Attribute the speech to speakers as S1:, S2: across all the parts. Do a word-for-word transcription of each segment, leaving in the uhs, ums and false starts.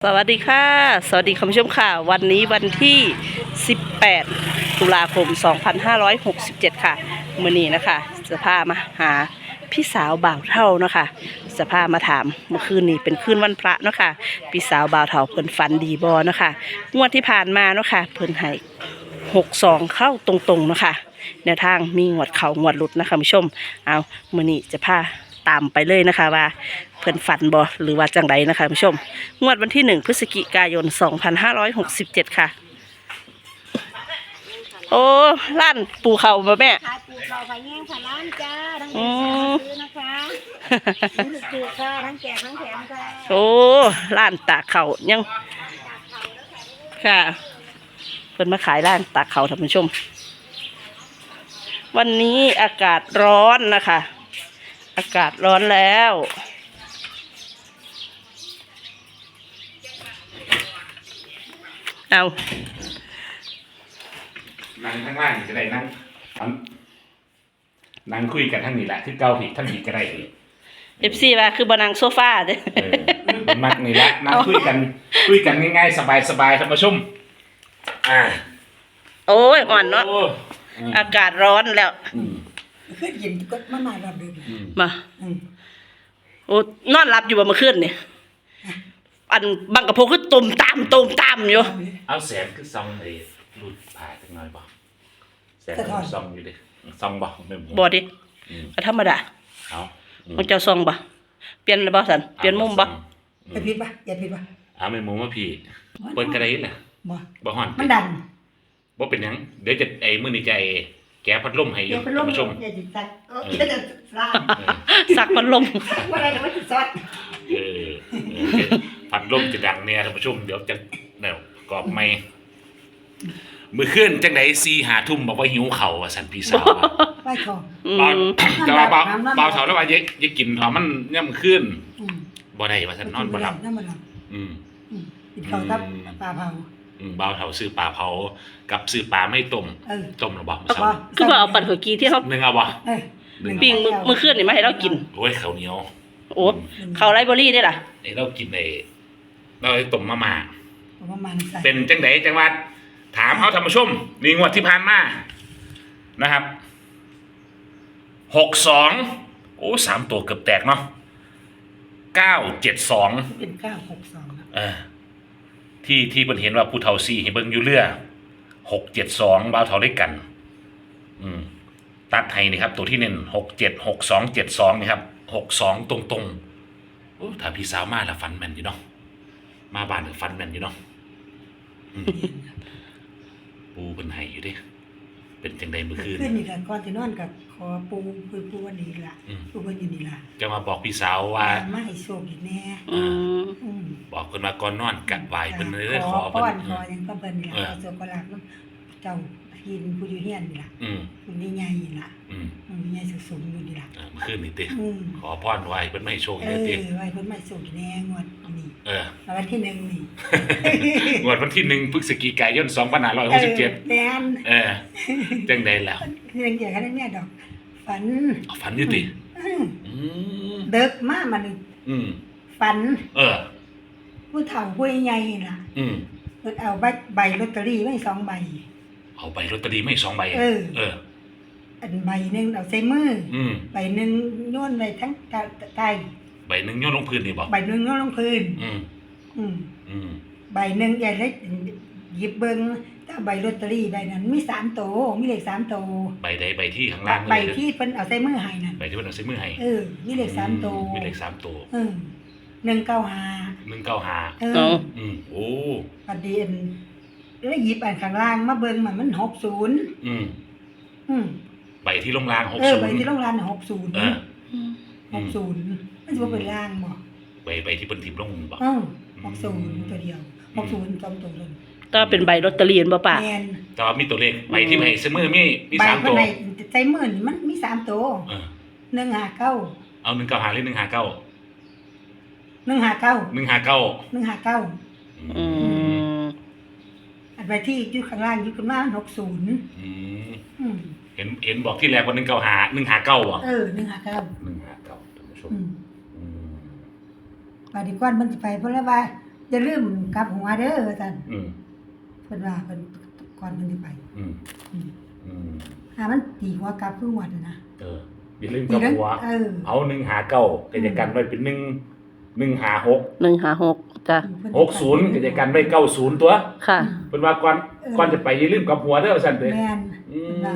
S1: สวัสดีค่ะสวัสดีคุณผู้ชมค่ะวันนี้วันที่สิบแปดตุลาคมสองพันห้าร้อยหกสิบเจ็ดค่ะมื้อนี้นะคะจะพามาหาพี่สาวบ่าวเฒ่าเนาะค่ะจะพามาถามเมื่อคืนนี้เป็นคืนวันพระเนาะค่ะพี่สาวบ่าวเฒ่าเพิ่นฝันดีบ่เนาะค่ะงวดที่ผ่านมาเนาะค่ะเพิ่นให้หกสองเข้าตรงๆเนาะค่ะแนวทางมีงวดเข่างวดหลุดนะคะคุณผู้ชมเอามื้อนี้จะพาตามไปเลยนะคะว่าเพิ่นฝันบ่หรือว่าจังไดนะคะคุณผู้ชมงวดวันที่หนึ่งพฤศจิกายนสองพันห้าร้อยหกสิบเจ็ดค่ะโอ้ร้านปูเขาบ่แม่
S2: ขายปูเราขายแง่งขายร้านจ้าทั้งแง่งซื้อนะคะซื้อปูค่ะทั้งแจกทั้งแถมค่ะ
S1: โอ้ร้านตากเขายังค่ะเพิ่นมาขายร้านตากเขาท่านผู้ชมวันนี้อากาศร้อนนะคะอากาศร้อนแล้วเอา
S3: นั่งข้างล่างจะได้นั่งนั่งคุยกันทั้งนี้แหละที่เกาผิดทั้งนี้ก็ได้เลย
S1: เอฟซีว่าคือบนังโซฟาเด้
S3: อมักนี่แหละนั่งคุยกันคุยกันง่ายๆสบายๆท่านผู้ชมอ่า
S1: โอ้ยอ่อนเนาะอากาศร้อนแล้ว
S2: ขึ้นเย็นก็มาหน่อยแบบเดิม
S1: มาโอ้นอนหลับอยู่บ่เมื่อคืนนี่อันบังกะโพคือตุ่มตามตุ่มตามอยู่
S3: เอาแสงคือซองเลยรูดผ่าจังหน่อยบ่แสงซองอยู่ดิซองบ่ไม่หมด
S1: บ่ดิก็ธรรมดา
S3: เอา
S1: มันจะซองบ่เปลี่ยนบ่สันเปลี่ยนมุมบ่
S2: อย่าผิดป่ะอย่าผิดป่ะ
S3: เอาไม่มุมว่าพี่เปิดกระไดแหละ
S2: บ่
S3: บ่ฮ้อน
S2: มันดัน
S3: บ่เป็นหยังเดี๋ยวจะไอ้มื้อนี้จะไอ้แก้พัดลมให้อยู่ท่านผู้ชม
S2: อย่าจิตสักเออจะสัก
S1: สักพัดลม
S2: ว่าอะไรว่าจิตสัก
S3: เออพัดลมจะดังเนี่ยท่านผู้ชมเดี๋ยวจะเดี๋ยวกรอบไม่มือขึ้นจังไดซีหาทุ่มบอกว่าหิวเข่าอ่ะสันพี่สาว
S2: ไปของ
S3: แต่ว่าเบาเบาเถาแล้วว่าเยอะเยอะกินเขามันย่ำขึ้นบ่ได้ว่าสันนอนบ่หลับอืม
S2: กินข้าวกับปลาเผา
S3: เบาเถาซื้อปลาเผากับซื้อปลาไม่ต้มต้มหรือบ่
S1: เช้าคือว่าเอาปั่นหัวกีที่เขา
S3: หนึ่งเอาบ่
S1: ปิ้งมือขึ้นนี่มาให้เรากิน
S3: โอ้ยข้าวเหนียว
S1: โอ้ข้าวไรเบอรี่ได้ล่ะ
S3: ไอ้เรากินไอ้เราต้มมะม่า
S2: เ
S3: ป็นจังไดจังหวัดถามเขาธรรมชมนี่งวดที่ผ่านมานะครับหกสองโอ้สามตัวเกือบแตกเนาะเก้าเจ็ดสอง
S2: เป็นเก้าหกสอง
S3: เออที่ที่เพิ่นเห็นว่าผู้เฒ่าสี่ให้เบิ่งอยู่เรือหกเจ็ดสองบ่าวเฒ่าได้กันอืมตัดให้นี่ครับตัวที่เน้นหกเจ็ดหกสองเจ็ดสองนี่ครับหกสองตรงตรงโอ้ถ้าพี่สาวมาละฟันแม่นอยู่เนาะมาบ้านก็ฟันแม่นอยู่เนาะปูเป็นไห้อยู่ดิเป็นจังใดเมื่อคืน
S2: ขึ้นนี่ค่ะก่อนจะนอนกับขอปูปูปูวันนี้ล่ะปูวันอยู่นี่ล่ะ
S3: จะมาบอกพี่สาวว่า
S2: มาให้โชคอีกแน่
S3: บอกเพิ่นว่าก่อนนอนกัดไหวเพิ่นเลยขอ
S2: เพิ่นขอยังก็เพิ่นนี่ล่ะโชคก็รักเจ้าหินผู้อยู่เฮียนนี่ล่ะผู้ใหญ่ๆนี่ล่ะอืมใหญ่สูงๆอยู่นี่ล่ะ
S3: เมื่อคืนนี่ติขอพรไว้เพิ่นไม่ให้โชค
S2: เลยติเออไว้เพิ่นไม่โชคแน่งวดนี้
S3: เออ
S2: วันที่หนึ่งนี่
S3: งวดวันที่หนึ่งพฤศจิกายนสองพันห้าร้อยหกสิบเจ็ด
S2: แม่น
S3: เออจังได๋แล้ว
S2: เรื่องเกี่ยวกับเนี่ยดอกฝัน
S3: ฝันอยู่ติ
S2: อืมเด็กมามานึง
S3: อืม
S2: ฝัน
S3: เออ
S2: ผู้เฒ่าผู้ใหญ่น่ะอืมเพิ่นเอาใบใบลอตเตอรี่ไว้สองใบ
S3: เอาใบลอตเตอรี่ไม่สองใบ
S2: เออ
S3: เออ
S2: อันใบหนึ่งเอาใส่มืออืมใบหนึ่งโยนไว้ทั้งใต้
S3: ใบหนึ่งโยนลงพื้นนี่บ่
S2: ใบหนึ่งโยนลงพื้นอืมอืมอืมใบหนึ่งใหญ่เล็กหยิบเบิ้งถ้าใบลอตเตอรี่ใบนั้นมีสามโตมีเลขสามโต
S3: ใบใดใบที่ข้างล่าง
S2: ใบที่เพิ่นเอาใส่มือให้นั่น
S3: ใบที่เพิ่นเอาใส่มือให้
S2: เออมีเลขสามโต
S3: มีเลขสามโต
S2: เออหนึ่งเก้าห้า
S3: หนึ่งเก้าห้า
S1: เออ
S3: อืมโอ้
S2: ประเด็นแล้วหยิบอันข้างล่างมาเบิ้งมันมันหกศูนย์อืมอืม
S3: ใบที่ลงล่างหก
S2: ศูนย์เออ
S3: ใบ
S2: ที่ลงล่างหกศูนย์หกศูนย์มันจะว่าเป็นล่างบ่
S3: ใบใบที่เป็นทิมลงบ่
S2: อือหกศูนย์ตัวเดียวหกศูนย์สองตัวเลย
S1: ก็เป็นใบลอตเตอรี่บ่ป่ะ
S3: แต่ว่ามีตัวเลขใบที่ให้เสมอมีมีสามตัว
S2: ใบใจมือมันมีสามตัวเออหนึ่งห้าเก้า
S3: เอาหนึ่งเก้าห้าหรือหนึ่งห้าเก้า
S2: หนึ่งห้าเก้า
S3: หนึ่งห้าเก้า
S2: หนึ่งห้าเก้าอืมอันใบที่อยู่ข้างล่างอยู่ข้างล่างหกศูนย์อื
S3: มเห็นเห็นบอกที่แรกว่าหนึ่งเก้าห้าหนึ่งห้าเก้าอ่ะ
S2: เออหนึ่งห้าเก้าห
S3: นึ่งห้าเก้าท่านผู้ชม
S2: ปาดีกว่ามันจะไปเพราะว่าอย่าลืมกลับหัวเด้อว่าซั่น
S3: อืม
S2: เพิ่นว่าเพิ่นก่อนเพิ่นสิไป
S3: อืม
S2: อืม
S3: อืม
S2: หามันตีหัวกลับคือหวดน่ะนะ
S3: เอออย่าลืมกับหัว
S2: เออ
S3: เอาหนึ่งหาเก้ากิจกันไว้เป็นหนึ่งหนึ่งหาหก
S1: หนึ่งห้าหกจ้ะ
S3: หกศูนย์กิจกันไว้เก้าศูนย์ตัว
S1: ค่ะ
S3: เป็นว่าก่อนก่อนจะไปอย่าลืมกับหัวเด้อสั่นเด้อ
S2: แม่น
S3: อื
S2: เพิ่นว่าม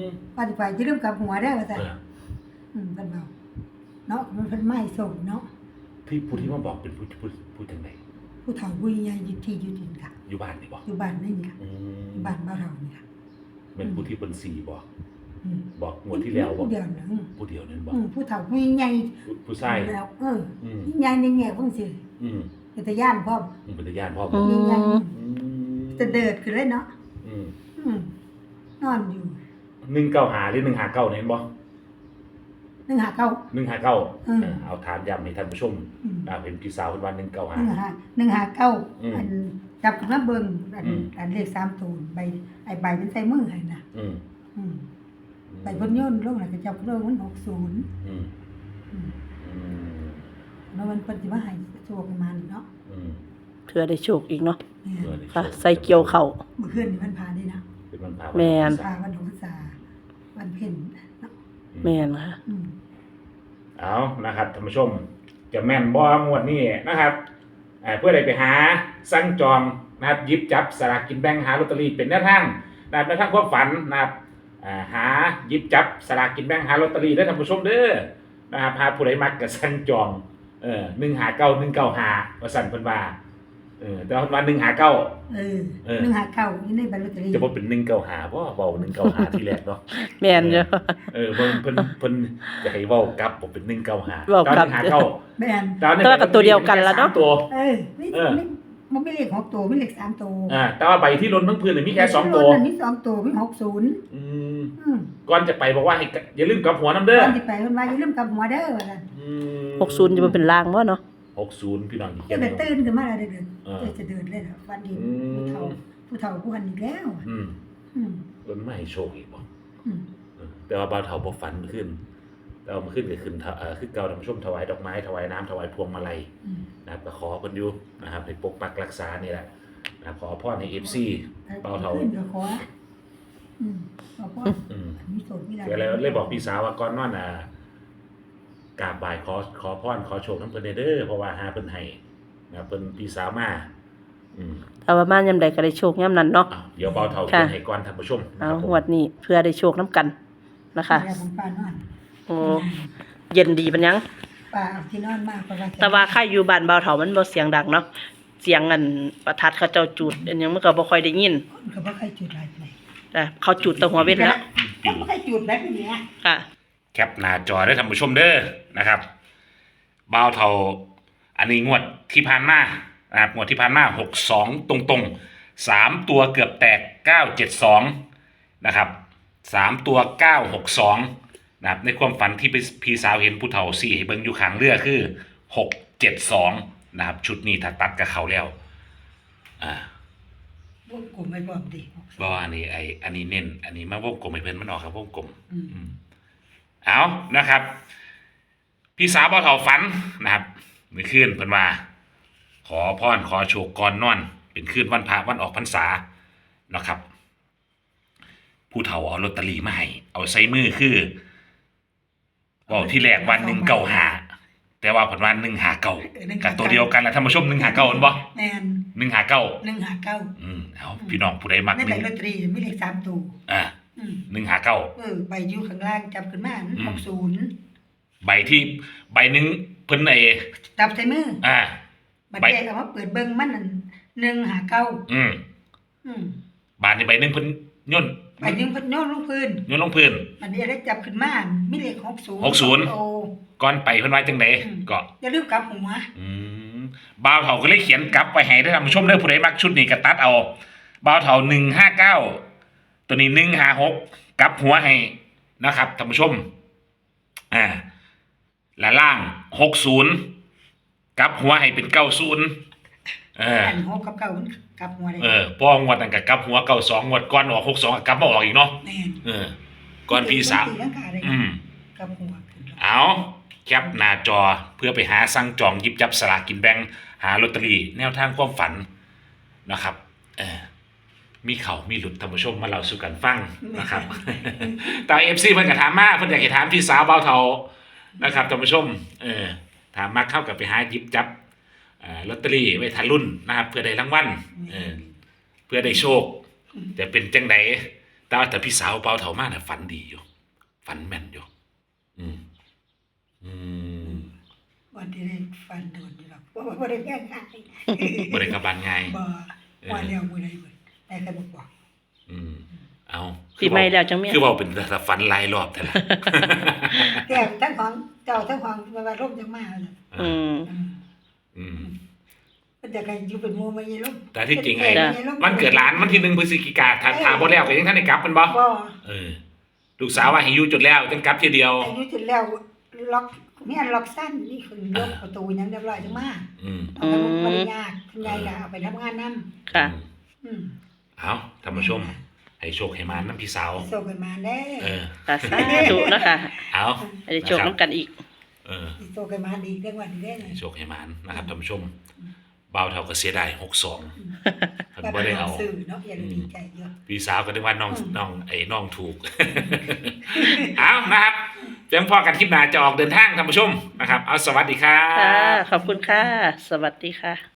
S2: ว่าสิไปอย่าลืมกลับหัวเด้อว่าซั่น
S3: เออ
S2: อืมเพิ่นเว้าเนาะมันเพิ่นไม่ส่งเนาะ
S3: ที่ผู้ที่มาบอกเป็นผู้ผู้ผู้จังได
S2: ผู้เฒ่าผู้ใหญ่อยู่ที่อยู่ดินค่ะ
S3: อยู่บ้านนี่บ่
S2: อยู่บ้านนี่ค่ะ
S3: อืม
S2: บ้านบ้านเรานี่ค่ะ
S3: เป็นผู้ที่เป็นสี่บอก
S2: อืม
S3: บอกงวดที่แล้วบอก
S2: ผู้เดียวนึง
S3: ผู้เดียวนั่นบอก
S2: อืมผู้เฒ่าผู้ใหญ่
S3: ผู้ผู้ชาย
S2: แล้วเออ
S3: อืม
S2: ใหญ่ในแง่เพิ่นสิ
S3: อืม
S2: เป็นตาย่านพร้อม
S3: อืมเป็นญาติพ่อ
S1: อื
S3: บอก
S1: ม
S2: ใหญ่
S3: อืม
S2: ๆจะเดิดขึ้นเลยเนาะ
S3: อืม
S2: อืมนอนอยู่
S3: หนึ่งเก้าหาหรือหนึ่งหาเก้าเนี่ยเห็นบ่
S2: หนึ่งหาเก้า
S3: หนึ่งหาเก้า
S2: อืม
S3: เอาถามย้ำให้ท่านผู้ชม
S2: อืม
S3: อ่าเป็นพี่สาวเป็นวันหนึ่งเก้า
S2: ห
S3: หา
S2: นึ่งหาหนึ่งหาเก้า
S3: อืม
S2: อันจับขึ้นมาเบิ่งอัน
S3: อืม
S2: อันเลขสามตูนใบไอ้ใบมันใส่มือให้น่ะ
S3: อืม
S2: อืมใบเพิ่นโยนลงแล้วก็จับขึ้นมามันหกศูนย์
S3: อืม
S2: อืม
S3: อืม
S2: แล้วมันเพิ่นสิมาให้โชคประมาณนี้เนาะ
S3: อืม
S1: เพื่อได้โชคอีกเนาะ
S2: เนี่ย
S3: เพื่อได้โช
S1: ค่ะ ใส่เกี่ยวเข่า
S2: เมื่อคืนนี่มันพาได้นะ
S3: เป็นวันพา
S1: แม่น
S2: พาวันหกษาวันเพ็ญเนาะ
S1: แม่นค่ะ
S2: อืม
S3: เอานะครับท่านผู้ชม จะแม่นบ่งวดนี้นะครับอ่าเพื่อได้ไปหาสั่งจองนะครับหยิบจับสลากกินแบ่งหาลอตเตอรี่เป็นแนวทางนะครับแนวทางความฝันนะครับอ่าหาหยิบจับสลากกินแบ่งหาลอตเตอรี่ได้อท่านผู้ชมเด้อนะครับหาผู้ใดมักก็สั่งจองเออหนึ่งหาเก้าหนึ่งเก้าหาว่าสั่นเพิ่นว่าเออแต่ว่าหนึ่งหาเก้า
S2: เออ
S3: เออ
S2: หนึ่งหาเก้าอยู่ในใบลอตเตอรี่
S3: จะบ่เป็นหนึ่งเก้าหาบ่เว้าหนึ่งเก้าหาที่แรกเนาะ
S1: แม่นเด้อ
S3: เออเพิ่นเพิ่นเพิ่นจะให้เว้ากลับบ่เป็นหนึ่งเก้าหา
S1: เว้ากลับ
S3: หาเก้า
S2: แม่น
S3: ตอนนี้
S1: แต่ว่าก็ตัวเดียวกันแล้วเนาะ
S3: สมตัว
S2: เออไม่
S3: เออ
S2: ไม่มันไม่เลขหกตัวไม่เลขสามตัว
S3: อ่าแต่ว่าใบที่ล้นทั้งพื้นเนี่ยมีแค่สองตัว
S2: มันมีสองตัวมีหกศูนย์
S3: อืม
S2: อืม
S3: ก่อนจะไปบอกว่าให้กอย่าลืมกลับหัวน้ำเด้อ
S2: ตอนที่ไปมันว่าอย่าลืมกลับหัวเด้อว่าซั่น
S3: อืม
S1: หกศูนย์จะมาเป็นลางบ่เนาะ
S3: หกศูนย์พี่น้องอีก
S2: จะ
S3: แค่
S2: ได้
S3: นึง
S2: ตื่นขึ้นมาแล้วได้เดิน
S3: เออ
S2: จะจะเดินเลยเหรอวันดี
S3: อืม
S2: ผู้เฒ่าผู้เฒ่าผู้หันอีกแล้ว
S3: อืม
S2: อืม
S3: ล้นไม่ให้โชคอีกบ่
S2: อืม
S3: เออแต่ว่าบ่าวเฒ่าบ่ฝันขึ้นแต่ว่ามันขึ้นก็ขึ้นเท่าเอ่อคือเก่าทำช่วมถวายดอกไม้ถวายน้ำถวายพวงมาลัย
S2: อืม
S3: นะครับก็ขอเพิ่นอยู่นะครับให้ปกปักรักษานี่แหละนะครับขอพรให้ เอฟ ซี เบาเฒ่า
S2: ขึ้นก็ขออืมขอพ่อ
S3: อืม
S2: มีโสดมีหลาย
S3: ก็เลยเลยบอกพี่สาวว่าก่อนนอนอ่ะกราบบ่ายขอขอพรขอโชคน้ำเพิ่นเด้อเพราะว่าหาเพิ่นให้นะครับเพิ่นพี่สาวมาอืม
S1: แต่ว่ามายามใดก็ได้โชคยามนั้นเนาะ
S3: อ้าวเดี๋ยวเบาเท่า
S1: ค่ะ
S3: เขียนให้ก่อนท่านผู้ชมนะ
S1: เอา
S3: ครับผม
S1: งวดนี้เพื่อได้โชคน้ำกันนะคะ
S2: แม่ของป้านอน
S1: โอ้เย็นดีปัญญัง
S2: ป้าเอาที่นอนมากกว่า
S1: แต่ว่าค่าอยู่บ้านเบาเถามันบ่เสียงดังเนาะเสียงอันประทัดเขาเจ้าจุดอันหยังมันก็บ่ค่อยได้ยิน
S2: คนก็บ่เคยจุดอะไรเลย
S1: แต่เขาจุดแตะหัวเว้นแล้ว
S2: ก็บ่เคยจุดแบบนี้
S1: ค่ะ
S3: แคปหน้าจอได้ท่านผู้ชมเด้อนะครับเบาเท่าอันนี้งวดที่ผ่านมานะครับงวดที่ผ่านมาหกสองตรงๆสามตัวเกือบแตกเก้าเจ็ดสองนะครับสามตัวเก้าหกสองนะครับในความฝันที่พี่สาวเห็นผู้เฒ่าสี่ให้เบิ่งอยู่ข้างเรือคือหกเจ็ดสองนะครับชุดนี้ถ้าตัดกับเขาแล้วอ่า
S2: วงกลมไม่บอกดิ
S3: บ่อันนี้ไออันนี้เน้นอันนี้มาวงกลมให้เพิ่นมันออกครับวงกลม
S2: อืม
S3: อืมเอานะครับ พี่สาวบ่เฒ่าฝันนะครับเมื่อคืนเพิ่นว่า ขอพรขอโชคก่อนนอน เป็นคืนวันพระวันออกพรรษานะครับ ผู้เฒ่าเอาลอตเตอรี่มาให้เอาใส่มือคือบอกที่แรกวันหนึ่งเก้าหาแต่ว่าผลวันหนึ่งหาเก้ากับตัวเดียวกันแหละท่านผู้ชมหนึ่งหาเก้าเห็นบ่
S2: แม่น
S3: หนึ่งหาเก้า
S2: หนึ่งหาเก้า
S3: อืมเอาพี่น้องผู้ใดมัก
S2: ใน
S3: ห
S2: ใบ
S3: นึ่ง
S2: ลอตเตอรี่มีเลขสามตัว
S3: อ่า
S2: อืม
S3: หนึ่งหาเก้า
S2: เออใบอยู่ข้างล่างจับขึ้นมา
S3: อืม
S2: หกศูนย์
S3: ใบที่ใบหนึ่งเพิ่นไอ้
S2: จับใส่มือ
S3: อ่า
S2: บัด
S3: ใบ
S2: แยกเอามาเปิดเบิ่งมันนั่นหนึ่งหาเก้า
S3: อืม
S2: อืม
S3: บาทในใบหนึ่งเพิ่นย่น
S2: ใบหนึ่งเพิ่นโยนลงพื้น
S3: ย่นลงพื้น
S2: อันนี้ได้จับขึ้นมามีเลขหกศูนย์
S3: หกศูนย์
S2: โอ้
S3: ก่อนไปเพิ่นว่าจังได
S2: อืม
S3: ก็
S2: อย่าลืมกลับหัว
S3: อืมบ่าวเฒ่าก็เลยเขียนกลับไว้ให้ได้ท่านผู้ชมเด้อผู้ใดมักชุดนี้ก็ตัดเอาบ่าวเฒ่าหนึ่งห้าเก้าตัวนี้หนึ่งห้าหกกลับหัวให้นะครับท่านผู้ชมอ่าและล่างหกศูนย์กลับหัวให้เป็นเก้าศูนย์เออ
S2: อันหกกับเก้ามันกลับหัวได้
S3: เออพองวดนั้นก็กลับหัวเก้าสองงวดก่อนออกหกสองกลับมาออกอีกเนาะ
S2: แม่น
S3: เออก่อนพี่สาม
S2: ตีลังกาได้
S3: อืม
S2: กลับหัวขึ้น
S3: เอาแคปหน้าจอเพื่อไปหาสั่งจองหยิบจับสลากกินแบ่งหาลอตเตอรี่แนวทางความฝันนะครับเออมีเขามีหลุดท่านผู้ชมมาเล่าสู่กันฟังนะครับ แต่เอฟซีเพิ่นก็ถามมาเพิ่นอยากให้ถามพี่สาวเบาเทานะครับท่านผู้ชมเออถามมาเข้ากับไปหาหยิบจับอ่าลอตเตอรี่ไว้ทันรุ่นนะครับเพื่อได้รางวัลเออเพื่อได้โชคจะเป็นจังไดแต่ว่าแต่พี่สาวเบาเทามาน่ะฝันดีอยู่ฝันแม่นอยู่อืมอืม
S2: วันที่ได้ฟันโดนอยู่หรอกเพราะว่าบ่ได้แย่งใคร
S3: บ่ได้กลับบ้านง่าย
S2: บ่ว่าแล้วมื้อใดเบิดแต่ก็บ่บอก
S3: อืมเอา
S1: ปีใหม่แล้วจังแม่
S3: คือเว้าเป็นแต่ฝันหลายรอบแท้ล่ะ
S2: แต่ทั้งของเจ้าทั้งของว่าร่มจังมาเลย
S1: อืม
S2: อืม
S3: อืม
S2: มันจะกันอยู่เป็นหมู่มายีร่ม
S3: แต่ที่จริงไอ้
S1: จ้ะ
S3: วันเกิดหลานวันที่หนึ่งพฤศจิกาถ้าถามบ่แล้วก็ยังทันได้กลับแมันบ่
S2: บ่
S3: เออลูกสาวว่าให้อยู่จนแล้วจังกลับทีเดียว
S2: อายุถึงแล้วล็อกเมียล็อกสั้นนี่คือล็อกประตูยังเรียบร้อยจังมา
S3: อืม
S2: เอาไปบ่ได้ยากคุณยายก็เอาไปทำงานนำ
S1: ค่ะ
S2: อืม
S3: เอาท่านผู้ชม ให้โชคให้มานำพี่สาว
S2: โซกันมาเด้
S3: เออ
S1: ค่ะสาธุนะคะ
S3: เอา
S1: ให้ได้โชคน้ำกันอีก
S3: เออ
S2: โซกันมาดีเรื่องวันนี้ได้
S3: ให้โชคให้มานนะครับท่านผู้ชมบ่าวเฒ่าก็เสียดายหกสองเพิ่นบ่ได้เอา
S2: สื่อเนาะอย่าดีใจเยอะ
S3: พี่สาวก็นึกว่าน้อง
S2: อืม
S3: น้องไอ้น้องถูก เอานะครับเพียงพอกันคลิปหน้าจะออกเดินทางท่านผู้ชมนะครับ เอาสวัสดีครั
S1: ค่ะ
S3: บ
S1: ขอบคุณค่ะ สวัสดีค่ะ